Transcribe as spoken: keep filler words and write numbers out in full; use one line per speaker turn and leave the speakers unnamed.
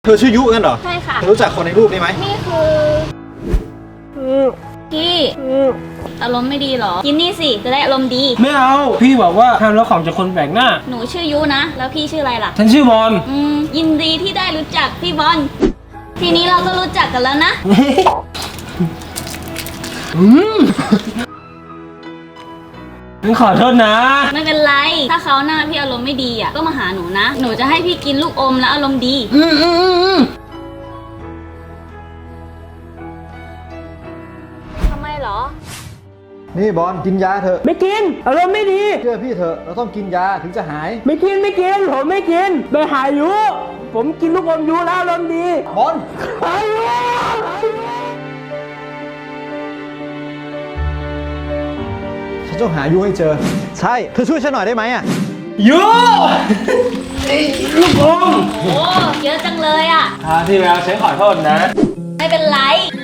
เธอชื่อยุกันเหรอ
ใช่ค่ะ
เธอรู้จักคนในรูปนี้ไหม
นี่คือพี่อารมณ์ไม่ดีเหรอ กินนี่สิ จะได้อารมณ์ดี
ไม่เอาพี่บอกว่าห้ามรับของจากคนแปลกหน้า
หนูชื่อยุนะ แล้วพี่ชื่ออะไรล่ะ
ฉันชื่อบอล
อืม ยินดีที่ได้รู้จักพี่บอล ทีนี้เราก็รู้จักกันแล้วนะ
อืมฉันขอโทษนะ
ไม่เป็นไร ถ้าเขาหน้าพี่อารมณ์ไม่ดีอ่ะ ก็มาหาหนูนะ หนูจะให้พี่กินลูกอมแล้วอารมณ์ดี
อืมอืมอืมอืม
ทำไมเหรอ
นี่บอลกินยาเถอะ
ไม่กินอารมณ์ไม่ดี
เชื่อพี่เถอะเราต้องกินยาถึงจะหาย
ไม่กินไม่กินผมไม่กินไปหายุผมกินลูกอมยุแล้วอารมณ์ดี
บอล
หายุ
ฉันต้องหายุให้เจอ ใช่เธอช่วยฉันหน่อยได้ไหมอ่ะ
ยุไอ้ลูกอม
โอ้เยอะจังเลยอ่ะ
คราวที่แล้วฉันขอโทษนะ
ไม่เป็นไร